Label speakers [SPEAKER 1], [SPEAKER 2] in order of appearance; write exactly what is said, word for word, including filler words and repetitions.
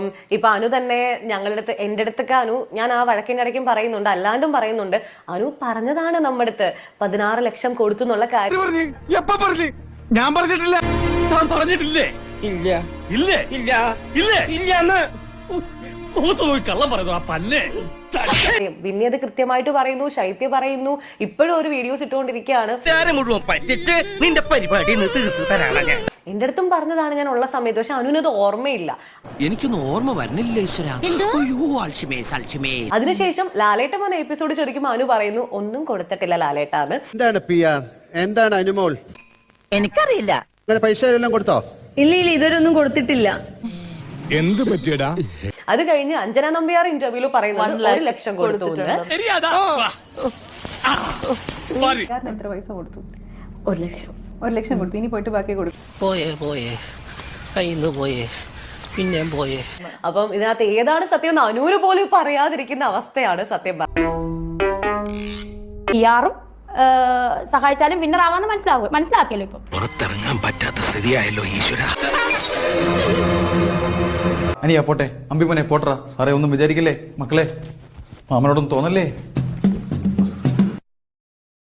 [SPEAKER 1] ഇപ്പൊ അനു തന്നെ ഞങ്ങളുടെ അടുത്ത് എന്റെ അടുത്തൊക്കെ അനു ഞാൻ ആ വഴക്കിന്റെ ഇടയ്ക്കും പറയുന്നുണ്ട്, അല്ലാണ്ടും പറയുന്നുണ്ട്. അനു പറഞ്ഞതാണ് നമ്മുടെ അടുത്ത് പതിനാറ് ലക്ഷം കൊടുത്തു എന്നുള്ള കാര്യം.
[SPEAKER 2] ഞാൻ പറഞ്ഞിട്ടില്ല. താൻ പറഞ്ഞിട്ടില്ലേ? ഇല്ല ഇല്ലേ ഇല്ല ഇല്ലേ ഇല്ല കള്ളം പറയുന്നു ആ പന്നെ.
[SPEAKER 1] പിന്നെ അത് കൃത്യമായിട്ട് പറയുന്നു, ശൈത്യ പറയുന്നു. ഇപ്പോഴും ഒരു വീഡിയോസ് ഇട്ടുകൊണ്ടിരിക്കുകയാണ്.
[SPEAKER 3] നിന്റെ പരിപാടി തീർത്തു തരാണ് ഞാൻ.
[SPEAKER 1] എന്റെ അടുത്തും പറഞ്ഞതാണ് ഞാൻ ഉള്ള സമയത്ത്. പക്ഷെ അനുവിനത് ഓർമ്മയില്ല.
[SPEAKER 3] എനിക്കൊന്നും ഓർമ്മ വരുന്നില്ല ഈശ്വര.
[SPEAKER 1] അതിനുശേഷം ലാലേട്ടൻ വന്ന എപ്പിസോഡ് ചോദിക്കുമ്പോൾ അനു പറയുന്നു ഒന്നും കൊടുത്തിട്ടില്ല ലാലേട്ടാന്ന്.
[SPEAKER 4] എന്താണ് പി ആർ, എന്താണ് അനുമോൾ?
[SPEAKER 3] എനിക്കറിയില്ല.
[SPEAKER 4] പൈസ എല്ലാം കൊടുത്തോ?
[SPEAKER 5] ഇല്ല ഇല്ല ഇതൊരൊന്നും കൊടുത്തിട്ടില്ല.
[SPEAKER 2] എന്ത് പറ്റിയടാ?
[SPEAKER 1] അത് കഴിഞ്ഞ് അഞ്ജന നമ്പ്യാർ ഇന്റർവ്യൂല് പറയുന്നത് ഒരു ലക്ഷം കൊടുത്തു.
[SPEAKER 5] എത്ര പൈസ കൊടുത്തു?
[SPEAKER 1] ഒരു ലക്ഷം
[SPEAKER 5] ഒരു ലക്ഷം കൊടുത്തു. ഇനി പോയിട്ട് ബാക്കി കൊടുക്കും.
[SPEAKER 3] പോയേ പോയേ കയ്യിന്ന് പോയേ പിന്നെ പോയേ.
[SPEAKER 1] അപ്പം ഇതിനകത്ത് ഏതാണ് സത്യം എന്ന് അനുവിന് പോലും പറയാതിരിക്കുന്ന അവസ്ഥയാണ് സത്യം.
[SPEAKER 6] പിആറും സഹായിച്ചാലും വിന്നർ ആകാന്ന് മനസ്സിലാവും മനസ്സിലാക്കിയല്ലോ. ഇപ്പൊ
[SPEAKER 3] പുറത്തിറങ്ങാൻ പറ്റാത്ത സ്ഥിതിയായല്ലോ ഈശ്വര.
[SPEAKER 7] അനിയാ പോട്ടെ, അമ്പിമോനെ പോട്ടറ. സാറേ ഒന്നും വിചാരിക്കല്ലേ മക്കളെ, മാമനോടൊന്നും തോന്നല്ലേ.